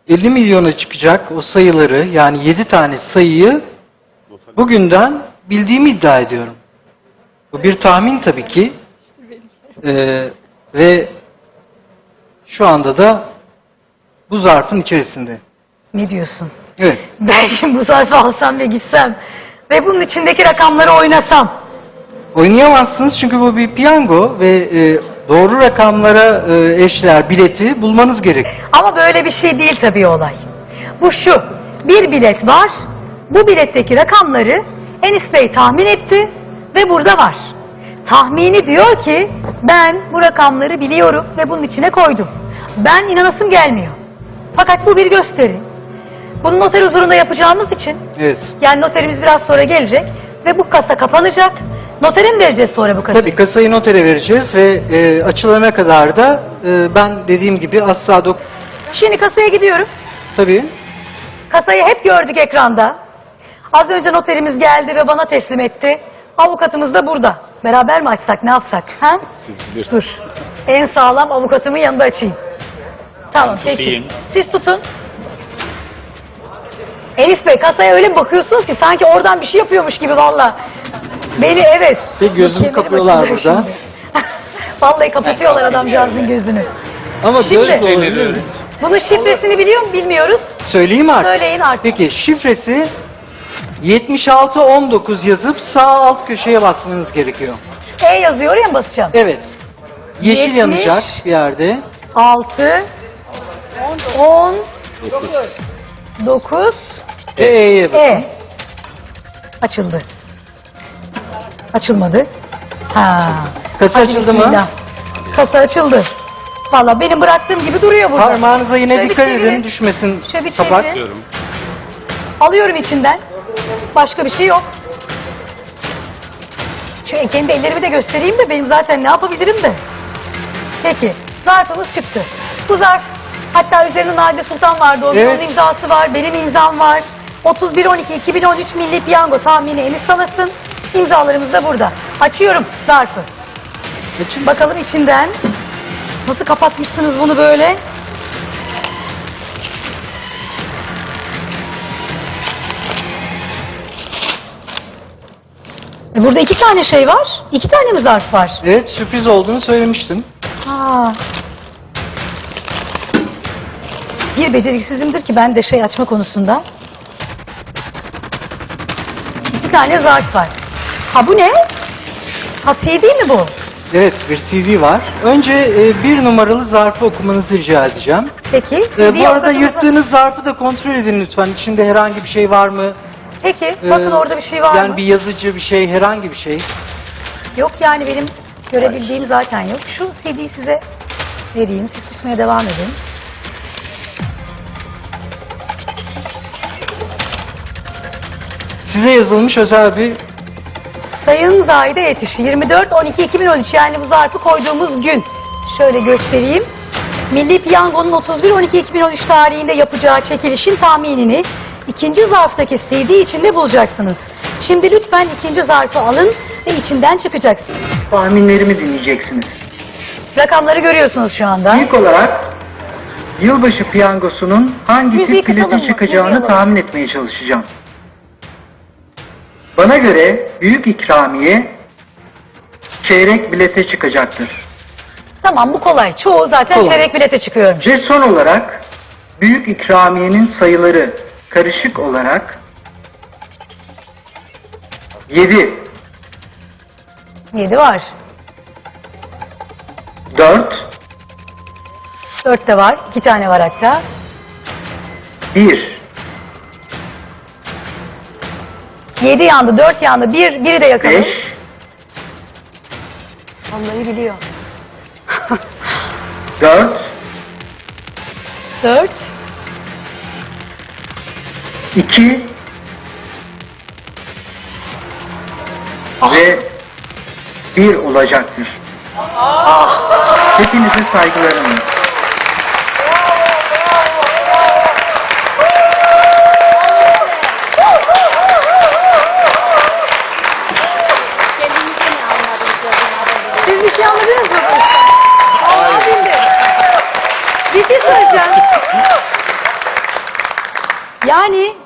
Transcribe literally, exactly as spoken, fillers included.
elli milyona çıkacak o sayıları, yani yedi tane sayıyı bugünden bildiğimi iddia ediyorum. Bu bir tahmin tabii ki. Ee, ve şu anda da bu zarfın içerisinde. Ne diyorsun? Evet. Ben şimdi bu zarfı alsam ve gitsem ve bunun içindeki rakamları oynasam. Oynayamazsınız çünkü bu bir piyango ve e, doğru rakamlara e, eşdeğer bileti bulmanız gerek. Ama böyle bir şey değil tabii olay. Bu şu, bir bilet var, bu biletteki rakamları Enis Bey tahmin etti ve burada var. Tahmini diyor ki ben bu rakamları biliyorum ve bunun içine koydum. Ben inanasım gelmiyor. Fakat bu bir gösteri. Bunu noter huzurunda yapacağımız için, Evet. yani noterimiz biraz sonra gelecek ve bu kasa kapanacak. Notere mi vereceğiz sonra bu kasayı? Tabii kasayı notere vereceğiz ve e, açılana kadar da e, ben dediğim gibi asla dok... Şimdi kasaya gidiyorum. Tabii. Kasayı hep gördük ekranda. Az önce noterimiz geldi ve bana teslim etti. Avukatımız da burada. Beraber mi açsak, ne yapsak? Ha? Dur. En sağlam avukatımın yanında açayım. Tamam, Ben peki. tutayım. Siz tutun. Enis Bey, kasaya öyle mi bakıyorsunuz ki sanki oradan bir şey yapıyormuş gibi valla. Beni evet. Ve gözünü Kemerim kapıyorlar açılacak burada. şimdi. Vallahi kapatıyorlar adamcağızın gözünü. Ama Şimdi- böyle de olabilir. Bunun şifresini biliyor mu bilmiyoruz. Söyleyeyim artık. Söyleyin artık. Peki şifresi yetmiş altı on dokuz yazıp sağ alt köşeye basmanız gerekiyor. E yazıyor, oraya mı basacağım? Evet. Yeşil Yetmiş. yanacak bir yerde. altı, on, dokuz, Ve E'ye basın. E. Açıldı. Açılmadı. Ha. Kasa Hadi açıldı mı? bismillah. Kasa açıldı. Valla benim bıraktığım gibi duruyor burada. Parmağınıza yine Şöyle bir dikkat çevirin. edin, düşmesin Şöyle bir kapak. çevirin. Diyorum. Alıyorum içinden. Başka bir şey yok. Şu kendi ellerimi de göstereyim de benim zaten ne yapabilirim de. Peki. Zarfımız çıktı. Bu zarf, hatta üzerinde Nadide Sultan vardı. O Evet. onun imzası var. Benim imzam var. otuz bir on iki iki bin on üç Milli Piyango tahmini Enis Salas'ın. İmzalarımız da burada. Açıyorum zarfı. Açın. Bakalım içinden. Nasıl kapatmışsınız bunu böyle? E burada iki tane şey var. İki tane mi zarf var? Evet, sürpriz olduğunu söylemiştim. Ha. Bir beceriksizimdir ki ben de şey açma konusunda. İki tane zarf var. Ha bu ne? Ha C D mi bu? Evet, bir C D var. Önce e, bir numaralı zarfı okumanızı rica edeceğim. Peki. E, C D'yi bu arada avukatımıza- yırttığınız zarfı da kontrol edin lütfen. İçinde herhangi bir şey var mı? Peki. E, Bakın orada bir şey var yani mı? bir yazıcı bir şey, herhangi bir şey. Yok yani benim görebildiğim zaten yok. Şu C D'yi size vereyim. Siz tutmaya devam edin. Size yazılmış özel bir... Sayın Zahide Yetiş, yirmi dört on iki iki bin on üç, yani bu zarfı koyduğumuz gün. Şöyle göstereyim. Milli Piyango'nun otuz bir on iki iki bin on üç tarihinde yapacağı çekilişin tahminini ikinci zarftaki C D içinde bulacaksınız. Şimdi lütfen ikinci zarfı alın ve içinden çıkacaksınız. Tahminlerimi dinleyeceksiniz. Rakamları görüyorsunuz şu anda. İlk olarak yılbaşı piyangosunun hangi Müziği tip biletin kısalım mı? Müziği çıkacağını alalım. tahmin etmeye çalışacağım. Bana göre büyük ikramiye çeyrek bilete çıkacaktır. Tamam, bu kolay. Çoğu zaten Kolay. çeyrek bilete çıkıyormuş. Ve son olarak büyük ikramiyenin sayıları karışık olarak yedi, yedi var. dört, dört de var. iki tane var hatta. bir, yedi yandı, dört yandı. bir, biri de yakalım. beş, Vallahi biliyor. dört, dört, iki Ah. ve bir olacaktır. Hepinize saygılarımla. Siz bir şey anladınız mı bu işten? Vallahi bildim. Bir şey söyleyeceğim. Yani